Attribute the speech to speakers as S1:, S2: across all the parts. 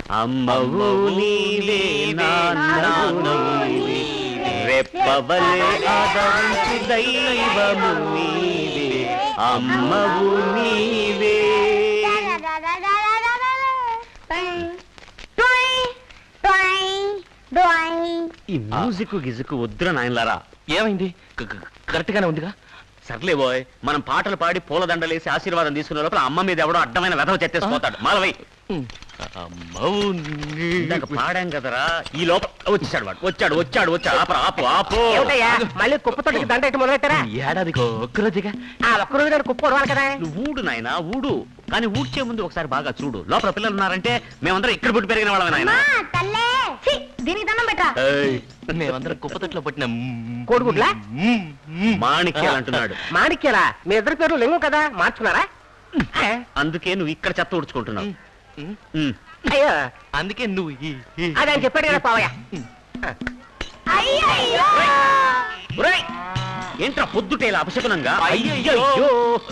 S1: అమ్మవు నీవే నాన్నవు నీవే రెప్పవలే ఆదరించు దైవము నీవే అమ్మవు నీవే. ఈ మ్యూజిక్ గిజుకు వద్దురా నాయనలారా.
S2: ఏమైంది? కరెక్ట్ గానే ఉందిగా.
S1: సర్లే బోయ్, మనం పాటలు పాడి పూలదండలేసి ఆశీర్వాదం తీసుకునే లోపల అమ్మ మీద ఎవడో అడ్డమైన వెధవ చెత్తేసిపోతాడు. మాలవై ఇందాక పాడాం కదరా, ఈ లోపల వచ్చాడు వాడు. వచ్చాడు వచ్చాడు వచ్చాడు. ఆపు ఆపు.
S3: మళ్ళీ కుప్పతోటికి దండ ఎట్టి మొదలెట్టారా?
S2: ఏడాదికి ఒక్కరోజుగా.
S3: ఆ ఒక్కరోజు కుప్ప ఉడవాలి కదా.
S1: నువ్వు ఊడు నాయనా ఊడు, కానీ ఊడ్చే ముందు ఒకసారి బాగా చూడు. లోపల పిల్లలు ఉన్నారంటే మేమందరం ఇక్కడ పుట్టి పెరిగిన వాళ్ళమే నాయన.
S4: దీనికి దండం పెట్టా.
S2: మేమందరం కుప్పతొట్లో పుట్టిన
S3: కోడిగుడ్లా?
S1: మాణిక్యాలు అంటున్నాడు.
S3: మాణిక్యాలా? మీ ఇద్దరు పేర్లు లింగం కదా, మార్చుకున్నారా?
S1: అందుకే నువ్వు ఇక్కడ చెత్త ఊడ్చుకుంటున్నావు.
S3: అయ్యో,
S2: అందుకే నువ్వు
S3: అది ఆయన చెప్పాడు కదా పావయ్య.
S1: ఒరేయ్, ఏంట్రా పొద్దుటేలా అపశకునంగా?
S2: అయ్యయ్యో.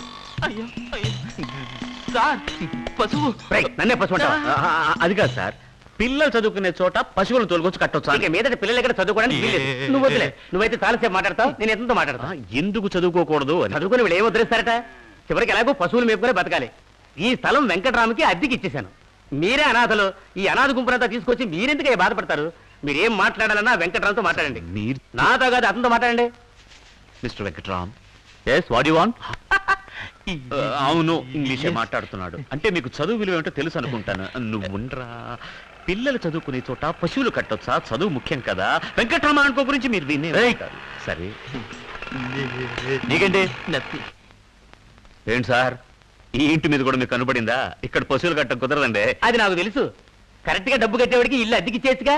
S2: సార్, పశువు.
S1: నన్నే పశువు అంటావా? అది కాదు సార్, పిల్లలు చదువుకునే చోట పశువులను తోలుకొచ్చి కట్టొచ్చు.
S3: ఇక మీదట పిల్లలు ఎక్కడ చదువుకోవడానికి వీల్లేదు. నువ్వు వదిలే, నువ్వైతే చాలాసేపు మాట్లాడతావు, నేను ఎంతో మాట్లాడతా.
S1: ఎందుకు చదువుకోకూడదు అని.
S3: చదువుకుని వీళ్ళు ఏం వదిలేస్తారట? చివరికి ఎలాగో పశువులు మేపుకునే బతకాలి. ఈ స్థలం వెంకటరామకి అద్దెకి ఇచ్చేశాను. మీరే అనాథలు. ఈ అనాథ గుంపునంతా తీసుకొచ్చి మీరెందుకు బాధపడతారు? మీరేం మాట్లాడాలన్నా వెంకటరామ్తో మాట్లాడండి. నాతో కాదు, అతనితో మాట్లాడండి.
S1: Mister Venkatram, yes what you want? అవును, ఇంగ్లీషే మాట్లాడుతున్నాడు. అంటే మీకు చదువు విలువ ఏమిటో తెలుసు అనుకుంటాను. నువ్వుండ్రా, పిల్లలు చదువుకునే చోట పశువులు కట్టొచ్చా? చదువు ముఖ్యం కదా. వెంకట్రామ అనుకో గురించి మీరు వినే సరే. నీకంటే ఏంటి సార్, ఈ ఇంటి మీద కూడా మీకు కనబడిందా? ఇక్కడ పశువులు కట్ట కుదరదండి.
S3: అది నాకు తెలుసు. కరెక్ట్ గా డబ్బు కట్టేవాడికి ఇల్లు అద్దెకి చేసిగా.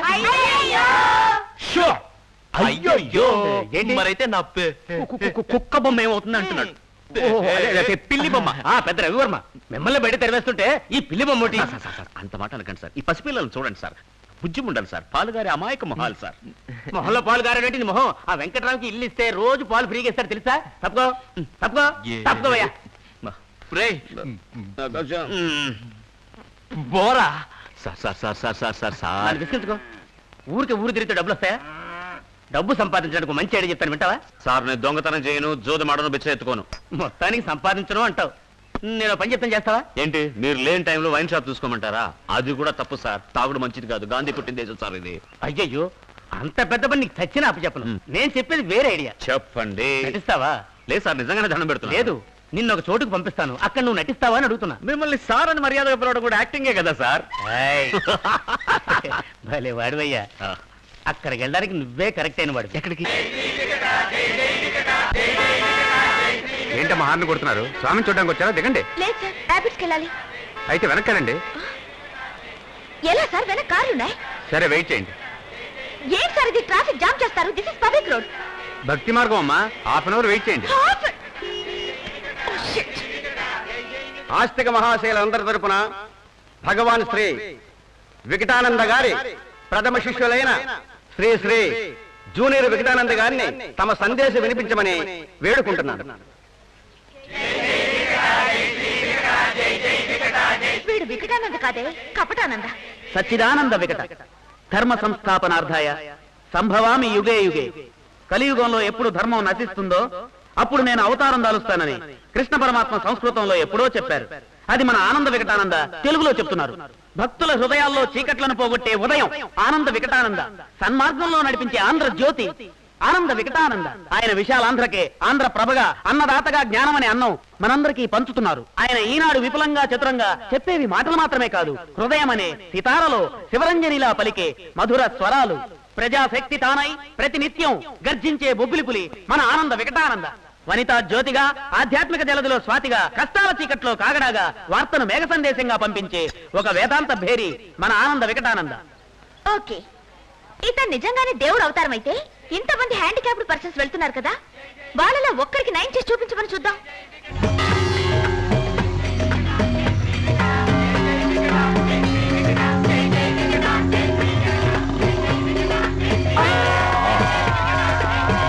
S2: అయ్యో,
S3: ఏంటి?
S2: మరైతే నా
S1: కుక్క బొమ్మ ఏమవుతుంది అంటున్నాడు.
S3: పిల్లి బొమ్మ. పెద్ద రవివర్మ మిమ్మల్ని బయట తెరవేస్తుంటే ఈ పిల్లి బొమ్మ
S1: అంత మాట అనకండి సార్. ఈ పసిపిల్లలను చూడండి సార్, బుజ్జి ఉండాలి సార్. పాలుగారి అమాయక మొహాలు సార్.
S3: మొహంలో పాలు గారేటి మొహం. ఆ వెంకటరామ్కి ఇల్లు ఇస్తే రోజు పాలు ఫ్రీగా ఇస్తారు తెలుసా? తప్పుకో తప్పుకో తప్పుకోవయ్యా.
S2: బోరా.
S1: Sir sir sir sir sir sir sir
S3: విసిగించుకో. ఊరికి ఊరు తిరిగితే డబ్బులు వస్తాయా? డబ్బు సంపాదించడానికి మంచి ఐడియా చెప్పాను, వింటావా?
S1: సార్, నేను దొంగతనం చేయను, జోదమాడను, బిచ్చ ఎత్తుకోను.
S3: మొత్తానికి సంపాదించను అంటావు. నేను పని చెప్తాను, చేస్తావా?
S1: ఏంటి, మీరు లేని టైంలో వైన్ షాప్ చూసుకోమంటారా? అది కూడా తప్పు సార్. తాగుడు మంచిది కాదు. గాంధీ పుట్టిన దేశం సార్ ఇది.
S3: అయ్యయ్యో, అంత పెద్ద పని నీకు చచ్చిన అప్పు చెప్పను. నేను చెప్పేది వేరే ఐడియా.
S1: చెప్పండి.
S3: నటిస్తావా?
S1: లేదు సార్, నిజంగానే దండం పెడుతున్నా.
S3: లేదు, నిన్న ఒక చోటుకు పంపిస్తాను, అక్కడ నువ్వు నటిస్తావా అని అడుగుతున్నా.
S1: మిమ్మల్ని సార్ అని మర్యాదగా పిలవడం కూడా యాక్టింగే కదా సార్.
S3: భలే వాడివయ్యా. అక్కడికి వెళ్ళడానికి నువ్వే కరెక్ట్ అయిన వాడు.
S1: ఎక్కడికి?
S5: ఏంటమ్మా హార్న్ కొడుతున్నారు? స్వామిని చూడడానికి వచ్చారా? దిగండి.
S4: లేదు సార్, ర్యాపిడ్స్కి వెళ్ళాలి.
S5: అయితే వెనక్కానండి.
S4: ఎలా సార్, వెనక కార్లు ఉన్నాయి.
S5: సరే, వెయిట్ చేయండి.
S4: ఏం సార్ ఇది, ట్రాఫిక్ జామ్ చేస్తారు. This is public road.
S5: భక్తి మార్గం అమ్మా, ½ అవర్ వెయిట్ చేయండి. ఆస్తిక మహాశైలందరి తరపున భగవాన్ శ్రీ వికటానంద గారి ప్రథమ శిష్యులైన శ్రీ శ్రీ జూనియర్ వికటానంద గారిని తమ సందేశం వినిపించమని వేడుకుంటున్నాను.
S4: వీడు వికటానంద కాదే, కపటానంద.
S3: సచ్చిదానంద వికట ధర్మ సంస్థాపనార్థాయ సంభవామి యుగే యుగే. కలియుగంలో ఎప్పుడు ధర్మం నశిస్తుందో అప్పుడు నేను అవతారం దాలుస్తానని కృష్ణ పరమాత్మ సంస్కృతంలో ఎప్పుడో చెప్పారు. అది మన ఆనంద వికటానంద తెలుగులో చెప్తున్నారు. భక్తుల హృదయాల్లో చీకట్లను పోగొట్టే ఉదయం ఆనంద వికటానంద, సన్మార్గంలో నడిపించే ఆంధ్ర జ్యోతి ఆనంద వికటానంద. ఆయన విశాలాంధ్రకే ఆంధ్ర ప్రభగా, అన్నదాతగా జ్ఞానం అనే అన్నం మనందరికీ పంచుతున్నారు. ఆయన ఈనాడు విపులంగా చతురంగా చెప్పేవి మాటలు మాత్రమే కాదు, హృదయం అనే సితారలో శివరంజనిలా పలికే మధుర స్వరాలు. ప్రజాశక్తి తానై ప్రతినిత్యం గర్జించే బొబ్బిలిపులి మన ఆనంద వికటానంద. వనితా జ్యోతిగా, ఆధ్యాత్మిక జలదిలో స్వాతిగా, కష్టాల చీకట్లో కాగడాగా, వార్తను మేఘ సందేశంగా పంపించే ఒక వేదాంత భేరి మన ఆనంద వికటానంద.
S4: ఓకే, ఇతను నిజంగానే దేవుడు అవతారం అయితే ఇంతమంది హ్యాండిక్యాప్డ్ పర్సన్స్ వెళ్తున్నారు కదా, వాళ్ళలో ఒక్కరికి నయం చేసి చూపించమని చూద్దాం.